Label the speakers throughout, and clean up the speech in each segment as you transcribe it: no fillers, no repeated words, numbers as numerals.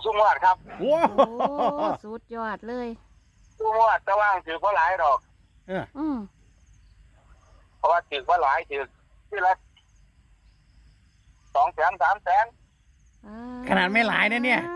Speaker 1: สุงวดครับ
Speaker 2: โอ้
Speaker 3: โอ้สุดยอดเลย
Speaker 1: สุงวดแต่ว่าถือว่าหลายดอก
Speaker 3: อืม
Speaker 1: เพราะว่าถือว่าหลายถือที่ละ200,000 300,000
Speaker 2: ขนาดไม่หลายนะเนี่ย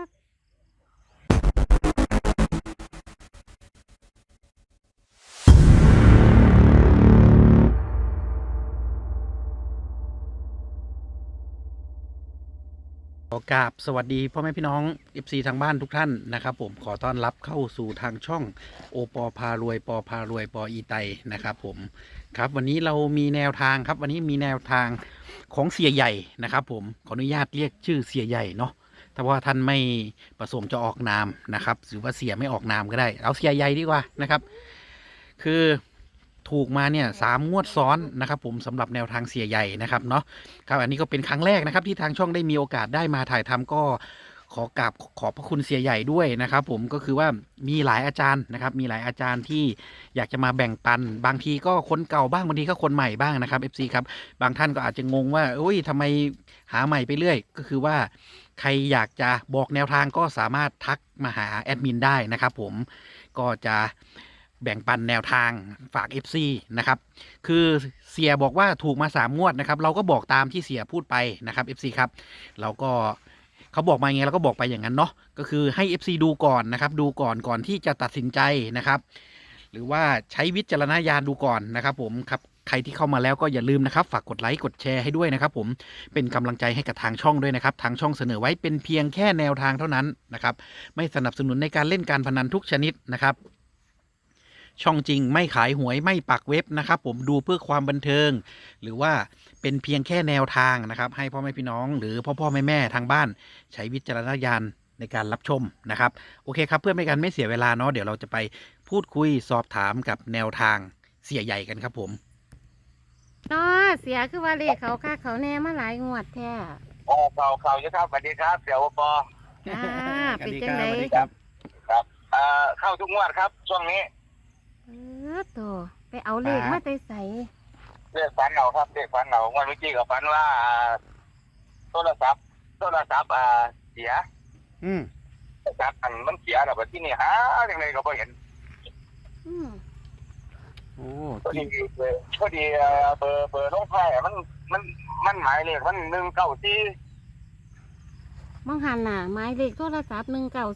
Speaker 2: ขอกราบสวัสดีพ่อแม่พี่น้อง FC ทางบ้านทุกท่านนะครับผมขอต้อนรับเข้าสู่ทางช่องโอปอพารวยปอพารวยปออีไตนะครับผมครับวันนี้เรามีแนวทางครับวันนี้มีแนวทางของเสียใหญ่นะครับผมขออนุญาตเรียกชื่อเสียใหญ่เนาะถ้าว่าท่านไม่ประสงค์จะออกนามนะครับหรือว่าเสียไม่ออกนามก็ได้เอาเสียใหญ่ดีกว่านะครับคือถูกมาเนี่ย3 งวดซ้อนนะครับผมสำหรับแนวทางเสียใหญ่นะครับเนาะครับอันนี้ก็เป็นครั้งแรกนะครับที่ทางช่องได้มีโอกาสได้มาถ่ายทำก็ขอกราบขอบพระคุณเสียใหญ่ด้วยนะครับผมก็คือว่ามีหลายอาจารย์นะครับมีหลายอาจารย์ที่อยากจะมาแบ่งปันบางทีก็คนเก่าบ้างบางทีก็คนใหม่บ้างนะครับ FC ครับบางท่านก็อาจจะงงว่าเอ้ยทำไมหาใหม่ไปเรื่อยก็คือว่าใครอยากจะบอกแนวทางก็สามารถทักมาหาแอดมินได้นะครับผมก็จะแบ่งปันแนวทางฝาก FC นะครับคือเสียบอกว่าถูกมา3 งวดนะครับเราก็บอกตามที่เสียพูดไปนะครับ FC ครับเราก็เขาบอกมาไงเราก็บอกไปอย่างนั้นเนาะก็คือให้ FC ดูก่อนนะครับดูก่อนที่จะตัดสินใจนะครับหรือว่าใช้วิจารณญาณดูก่อนนะครับผมครับใครที่เข้ามาแล้วก็อย่าลืมนะครับฝากกดไลค์กดแชร์ให้ด้วยนะครับผมเป็นกำลังใจให้กับทางช่องด้วยนะครับทางช่องเสนอไว้เป็นเพียงแค่แนวทางเท่านั้นนะครับไม่สนับสนุนในการเล่นการพนันทุกชนิดนะครับช่องจริงไม่ขายหวยไม่ปักเว็บนะครับผมดูเพื่อความบันเทิงหรือว่าเป็นเพียงแค่แนวทางนะครับให้พ่อแม่พี่น้องหรือพ่อแม่ทางบ้านใช้วิจารณญาณในการรับชมนะครับโอเคครับเพื่อไม่กันไม่เสียเวลาเนาะเดี๋ยวเราจะไปพูดคุยสอบถามกับแนวทางเสียใหญ่กันครับผม
Speaker 3: ต่อเสียคือว่าเลขเขาค่าเขาแน่มาหลายงวดแท้
Speaker 1: ข่าวเยอะครับสวัสดีครับเดี๋ยวปอ
Speaker 3: อ่าเป็นจังได
Speaker 2: สวัสดีครับ
Speaker 1: ครับเข้าทุกงวดครับช่วงนี้
Speaker 3: ตัวไปเอาเลขมาแต่ใส่
Speaker 1: เรียกฝันเอาครับเรียกฝันเอาวันเมื่อกี้กับฝันว่าโทรศัพท์เสียโทรศัพท์มันเสียแล้วแบบที่นี่หาอย่างไรก็ไม่เห็น
Speaker 3: อืม
Speaker 2: โอ้
Speaker 1: พอดีเบอร์ลงท้ายมันหมายเลขมัน194
Speaker 3: มังหันน่ะหมายเลขโทรศัพท์194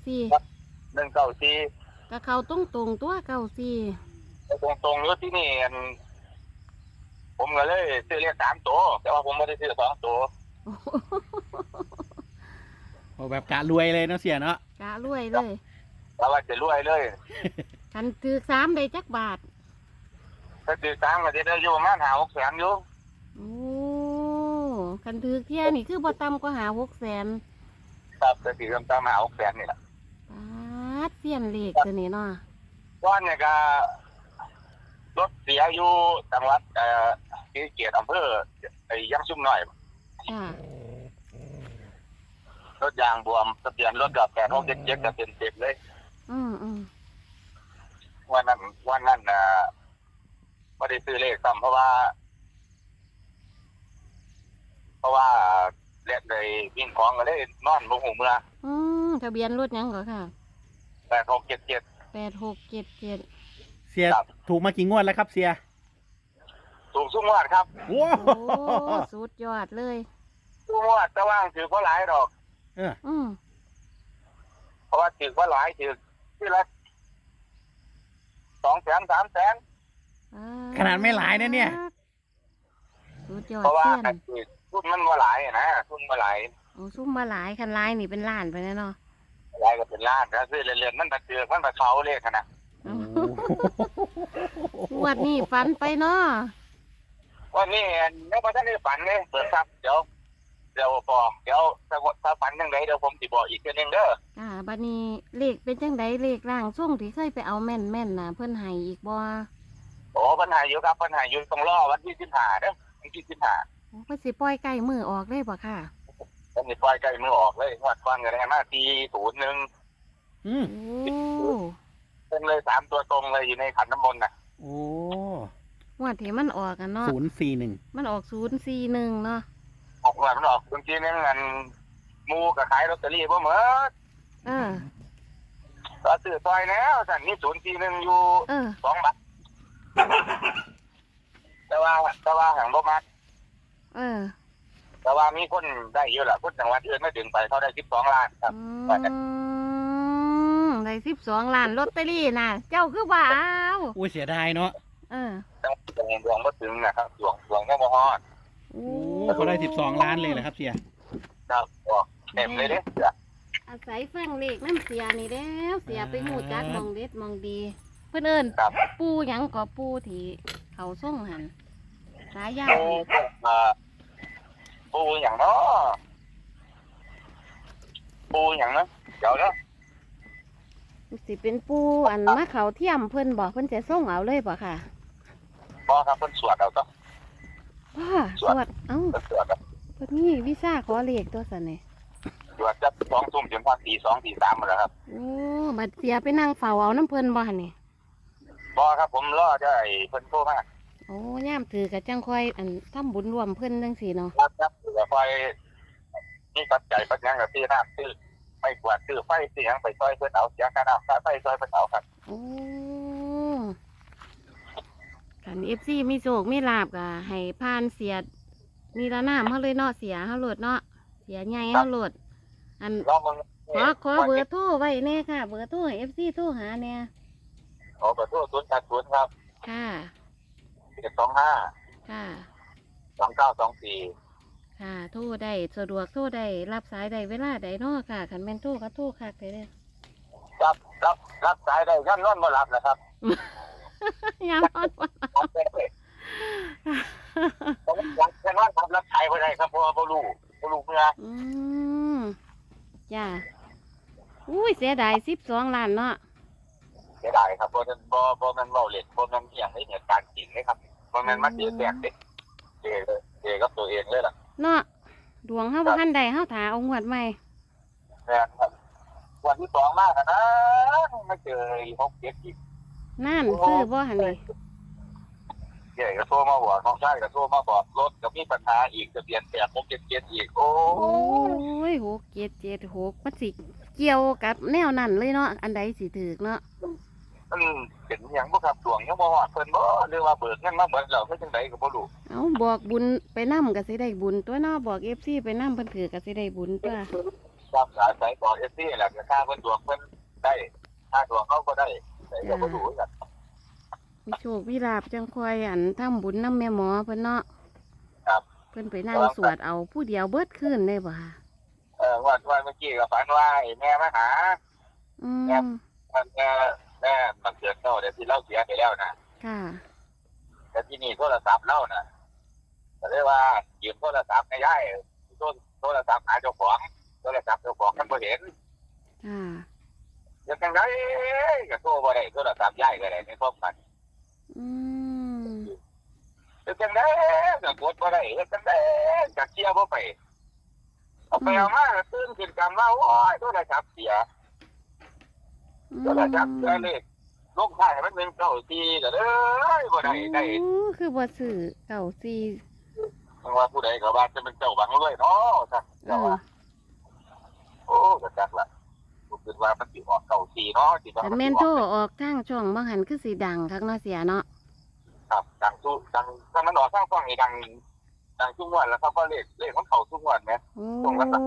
Speaker 1: 194
Speaker 3: กับเขาตรงตัว94
Speaker 1: ตรงๆอยู่ที่นี่ผมก็เลยซื้อเลข3 ตัวแต่ว่าผมไม่ได้ซื้อ2 ตัว
Speaker 2: โอ้แบบกะรวยเลยเนาะเสียเนาะ
Speaker 3: กะรวยเลย
Speaker 1: แล้วว่าจะรวยเลย
Speaker 3: คันถือ3ได้จักบาท
Speaker 1: ถ้าซื้อ3ก็จะได้อยู่ประมาณ5-6 แสนอยู่
Speaker 3: โอ้คันถือเที่ยนี่คือบ่ต่ำกว่าหา600,000
Speaker 1: ครับจะซื้อตาม5-6 แสนนี่แหละ
Speaker 3: ปาดเสียนเลขตัวนี้เนาะ
Speaker 1: ก้อนเนี่ยก็รถเสียอยู่จังหวัดศรีสะเกษอำเภอยังชุ่มหน่อย
Speaker 3: จ้าร
Speaker 1: ถยางบวมทะเบียนรถกับ8677ก็เต็มเลย
Speaker 3: อืม
Speaker 1: วันนั้นไม่ได้ซื้อเลขซ้ำเพราะว่าเล่นเลยวิ่งของก็เลยนอนบ่หูเมื่อ
Speaker 3: ทะเบียนรถหยังเหรอค่ะ
Speaker 1: 8677
Speaker 3: 8677
Speaker 2: เสียถูกมากี่งวดแล้วครับเสีย
Speaker 1: ถูกสุงวดครับ
Speaker 2: โอ้
Speaker 3: โอ้สุดยอดเลย
Speaker 1: สุงวดแต่ว่าถือว่าหลายดอก
Speaker 3: อืม
Speaker 1: เพราะว่าถือว่าหลายถือที่ละ200,000 300,000
Speaker 2: ขนาดไม่หลายนะเนี่ย
Speaker 3: สุดยอด
Speaker 1: เพราะว่า
Speaker 3: เสี้ยน
Speaker 1: ทุนมันมาหลายนะทุนมาหลาย
Speaker 3: โอ้ซุ่มมาหลายคันลายนี่เป็นล้านไปแล้วเนาะ
Speaker 1: หลายก็เป็นล้านนะซื้อเรื่อยๆมันตะเกือกมันตะเขาเลขนะ
Speaker 3: งวดนี้ฝันไปเนาะ
Speaker 1: วันนี้ยังไม่ทันได้ฝันเลยเปิดครับเดี๋ยวถ้าฝันยังไงเดี๋ยวผมสิบอกอีกทีนึงเด้อ
Speaker 3: บัดนี้เลขเป็นจังไดเลขร่างช่วงที่เคยไปเอาแม่นน่ะเพิ่นให้อีกบ่
Speaker 1: โอ้ปัญหาอยู่ครับปัญหาอยู่ต้องรอวันที่15เด้อวันที่15
Speaker 3: โอ้เพิ่นสิปล่อยใกล้มือออกเลยบ่ค่ะ
Speaker 1: ผมสิปล่อยใกล้มือออกเลยงวดก่อนก็ได้มา401
Speaker 2: อืม
Speaker 3: โอ้
Speaker 1: เป็นเลย3 ตัวตรงเลยอยู่ในขันน้ำมนต์น่ะ
Speaker 2: โอ้
Speaker 3: งวดที่มันออกกันเนาะ
Speaker 2: 041
Speaker 3: มันออก041เนาะ
Speaker 1: ออกงวดมันออกบางทีนึงหมู่ก็ขายลอตเตอรี่บ่หมด
Speaker 3: เออ
Speaker 1: ก็ซื้อซอยแล้วสั่นนี่041อยู่
Speaker 3: เออ
Speaker 1: 2 บาทแต่ว่าหังบ่มัก
Speaker 3: เออ
Speaker 1: แต่ว่ามีคนได้เยอะล่ะคนจังหวัดอื่นไม่ถึงไปเขาได้12 ล้านครับ
Speaker 3: ได้12 ล้านลอตเตอรี่น่ะ เจ้าคือว่าเอา
Speaker 2: อุ้ยเสียดายเนาะ
Speaker 3: เออ
Speaker 1: จังดวงบ่ถึงนะครับดวงยังบ่ฮอด
Speaker 3: โอ้
Speaker 2: โอ้เขาได้12 ล้านเลยเหรอครับเสีย
Speaker 1: ครับเต็มเลยเด้อ
Speaker 3: อาศัยฟังเลขน้ำเสียนี่แล้วเสียไปหูจักมองเด็ดมองดี เพื่อนเอิญ
Speaker 1: ครับ
Speaker 3: ปูหยังก็ปูที่เขาส่งหันสายยา
Speaker 1: ปูอย่างเนาะปูอย่างนะเดี๋ยวนะ
Speaker 3: สิเป็นปูอันมะเขาเทียมเพื่อนบอกเพื่อนจะส่งเอาเลยบ่ค่ะ
Speaker 1: พอครับเพิ่นสวดเอาต้อง
Speaker 3: ว้าสวดเอ้า
Speaker 1: เพิ่นสวดเอา
Speaker 3: เพื่อนนี่วิซ่าขอเลขตัวสันนี่
Speaker 1: สวดจะ2 ทุ่มจนพอตี 2 ตี 3หมดแล้วครับ
Speaker 3: โอ้บัดเสียไปนั่งเฝ้าเอาน้ำเพื่อนบ่หันนี่
Speaker 1: พอครับผมรอจะไอ้เพิ่นโทรมา
Speaker 3: โอ้ย่ามถือกับจังค่อยอันทำบุญรวมเพื่อนจังสีเนาะ
Speaker 1: ครับเดี๋ยวไฟนี่ปัจจัยปัจจัยกับที่น้ำซื้อไม่กวาดซื้อไฟซื้อหยังไปซอยเพิ่นเอาเสียค่าน้ำค่าไฟซอยเพิ่นเอาครับ
Speaker 3: โอ้ขันFCมีโศกมีลาบก็ให้ผ่านเสียมีละน้ำเขาเลยเนาะเสียเขาโหลดเนาะเสียใหญ่เขาโหลดอัน
Speaker 1: ลองเบิ่ง
Speaker 3: ขอเบอร์โทรไว้แน่ค่ะ เบอร์โทรให้ FC โทรหาแน่
Speaker 1: ขอเบอร์โทร080ครับ
Speaker 3: ค่ะ
Speaker 1: 725
Speaker 3: ค่ะ
Speaker 1: 2924
Speaker 3: ค่ะ โทรได้สะดวกโทรได้รับสายได้เวลาใดเนาะค่ะขันแม่นโทรก็โทรคักได้เลย
Speaker 1: รับสายได้ยันนอนบ่หลับนะครับ
Speaker 3: ยามนอนบ่
Speaker 1: รับได้เลยผมอยากจะนอนรับสายบ่ได้ครับเพราะว่าบ่รู้เมื่อ
Speaker 3: อืมจ้าอุ้ยเสียดาย12 ล้านเนาะ
Speaker 1: เสียดายครับบ่แม่นเว้าเล่นบ่แม่นอีหยังในเหตุการณ์จริงเลยครับบ่แม่นมาเสียแตกเด้เจกับตัวเองเลยล่ะ
Speaker 3: เนาะดวงเฮาบ่ทันใดเฮาถาเอางวดใหม่
Speaker 1: แม่นครับวันที่2มากันนะมาเจอ6-7อีก
Speaker 3: นั่นซื้อบ่หั่นนี่
Speaker 1: เจ๊ก็โทรมาบอกน้องชายก็โทรมาบอกรถก็มีปัญหาอีกทะเบียน8677อีกโอ้
Speaker 3: โอ้ย6776มันสิเกี่ยวกับแนวนั้นเลยเนาะอันใดสิถูกเนาะ
Speaker 1: มันเป็นหยังบ่ครับดวงยังบ่ฮอดเพิ่นบ่หรือว่าเบิกเงินมาเบิดแล้วเฮ็ดจังไดก็บ่รู้
Speaker 3: เอาบอกบุญไปนำก็สิได้บุญตัวเนาะบอก FC ไปนำเพิ่นถือก็สิได้บุญตัว
Speaker 1: ครับอาศัยบอก FC แหละก็ค่าเพิ่นดวงเพิ่นได้ค่าดวงเขาก็ได้แต่ก็บ่รู้กัน
Speaker 3: มีโชคมีลาบจังค่อยอันทำบุญนำแม่หมอเพิ่นเนาะ
Speaker 1: ครับ
Speaker 3: เพิ่นไปนั่งสวดเอาผู้เดียวเบิดคืนได้บ่ค่ะ
Speaker 1: วันเมื่อกี้ก็ฝันว่าไอ้แม่มาหา
Speaker 3: อืม
Speaker 1: แม่มันเกิดเนาะเดี๋ยวที่เราเสียไปแล้วนะ
Speaker 3: ค่ะ
Speaker 1: แต่ที่นี่โทรศัพท์เราน่ะก็เลยว่ายืมโทรศัพท์ให้ยายโทรศัพท์หาเจ้าของโทรศัพท์เจ้าของมันบ่เห็น
Speaker 3: ค่ะ
Speaker 1: ยังจังไดก็โทรบ่ได้โทรศัพท์ยายก็ได้ในความฝัน
Speaker 3: อืม
Speaker 1: ยังจังไดก็กดบ่ได้ยังจังไดก็เคลียร์บ่ไปเอาไปเอามาก็ตื่นขึ้นกันว่าโอ้ยโทรศัพท์เสียโทรศัพท์เสียเลยลงท้ายมันเป็น94ก็เด้อบ่ได้
Speaker 3: โอ้คือบ่ซื้อเก่าซี
Speaker 1: มันว่าผู้ใดก็ว่าจะเป็นเจ้าบังรวยเนาะจ้ะ
Speaker 3: เออ
Speaker 1: โอ้ก็จักล่ะผมคิดว่ามันสิออก94เนาะสิว่า
Speaker 3: แต่แม่นโทรออกทางช่องบ่หันคือสิดังคักเนาะเสียเนาะ
Speaker 1: ครับดังถ้ามันออกทางฟังนี่ดังทุกวันแล้วครับว่าเลขมันเข้าทุกวันแหม
Speaker 3: โอ้
Speaker 1: ตรงกันปะ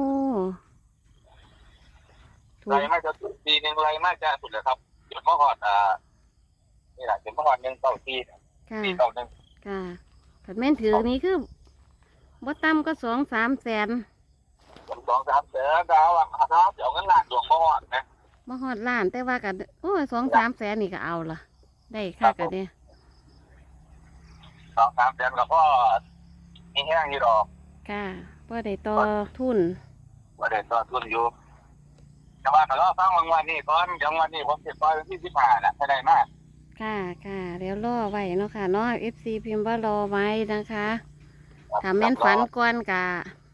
Speaker 3: ถู
Speaker 1: ไร
Speaker 3: ก
Speaker 1: มาจะปีนึงไรมาจะสุดเลยครับจุดมะฮอดนี่แหละจุดมะฮอด194
Speaker 3: ค่ะ
Speaker 1: 491
Speaker 3: ค่ะแต่แม่นถือนี่คือบ่ต่ำก็2-3 แสน
Speaker 1: ผม2-3แสนดาวอ่ะครับเดี๋ยวเงินล้านดวงมะฮอดนะ
Speaker 3: บ่ฮอดล้านแต่ว่าก็โอ้ย2-3 แสนนี่ก็เอาล่ะ ได้คักก็เด้
Speaker 1: 2-3แสนก็พอมีแห้งอยู่ดอก
Speaker 3: ค่ะบ่ได้ต่อทุน
Speaker 1: บ่ได้ต่อทุนอยู่แต่ว่าก็รอฟังวันนี้ก่อนจังวันนี้ผมสิปล่อยวันที่15น่ะให้ได้มา
Speaker 3: ค่ะค่ะแล้วรอไว้เนาะค่ะเนาะ FC พิมพ์ว่ารอไว้นะคะถ้าแม่นฝันก่อนกะ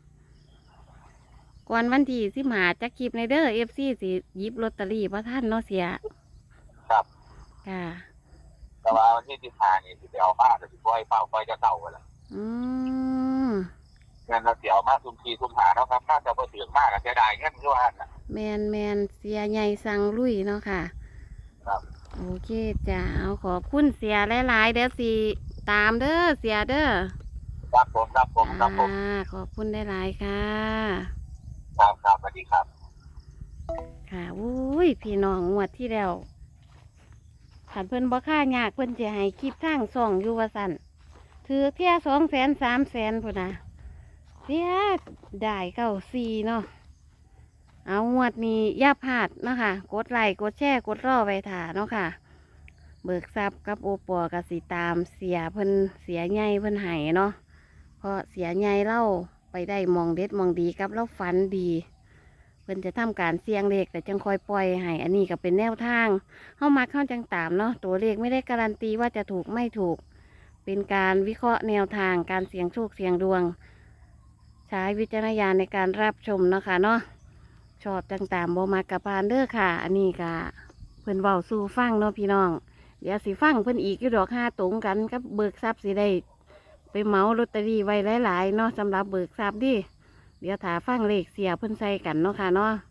Speaker 3: ก่อนวันที่15จักคลิปในเด้อ FC สิหยิบลอตเตอรี่บ่ทันเนาะเสีย
Speaker 1: ครับ
Speaker 3: ค่ะ
Speaker 1: แต่ว่าวันที่15นี่สิไปเอาผ้าก็สิปล่อยเฝ้าปล่อยจะเต่าไปละ
Speaker 3: อืม
Speaker 1: งินเราเสียมาซุ่มทีซุ่มหาเนาะครับน่าจะบ่ถึงมากอะเสียดายเงินอยู่หั่นน่ะ
Speaker 3: แมนเสียใหญ่สั่งลุยเนาะค่ะ
Speaker 1: ครับ
Speaker 3: โอเคจ้าเอาขอบคุณเสียหลายๆเดี๋ยวสิตามเด้อเสียเด้อ
Speaker 1: ครับผมครับผมครับผม
Speaker 3: ขอบคุณหลายๆค่ะ
Speaker 1: ครับครับสวัสดีครับ
Speaker 3: ค่ะอุ้ยพี่น้องงวดที่แล้วขันเพิ่นบ่ค่ายากเพิ่นจะให้คลิปทางส่องอยู่ว่าสั่นถือเที่ย200,000 300,000พุ่นนะเสียได้94เนาะเอางวดนี้อย่าพลาดเนาะค่ะกดไลค์กดแชร์กดรอไว้ถ่าเนาะค่ะ เบิกทรัพย์กับโอปอกับสีตามเสียเพิ่นเสียใหญ่เพิ่นให้เนาะเพราะเสียใหญ่เล่าไปได้มองเด็ดมองดีกับเล่าฝันดี เพิ่นจะทำการเสี่ยงเลขแต่จังคอยปล่อยให้อันนี้ก็เป็นแนวทางเข้ามาเข้าจังตามเนาะตัวเลขไม่ได้การันตีว่าจะถูกไม่ถูก เป็นการวิเคราะห์แนวทางการเสี่ยงโชคเสี่ยงดวง ใช้วิจารณญาณในการรับชมเนาะค่ะเนาะชอบจังตามโบมากระพานเด้อค่ะ อันนี้ก็เพิ่นเว้าสู่ฟังเนาะพี่น้อง เดี๋ยวสิฟังเพิ่นอีกอยู่ดอก5ตรงกันกับเบิกทรัพย์สิได้ไปเหมาลอตเตอรี่ไว้หลายๆเนาะสำหรับเบิกทรัพย์ดิเดี๋ยวถาฟังเลขเสียเพิ่นใส่กันเนาะค่ะเนาะ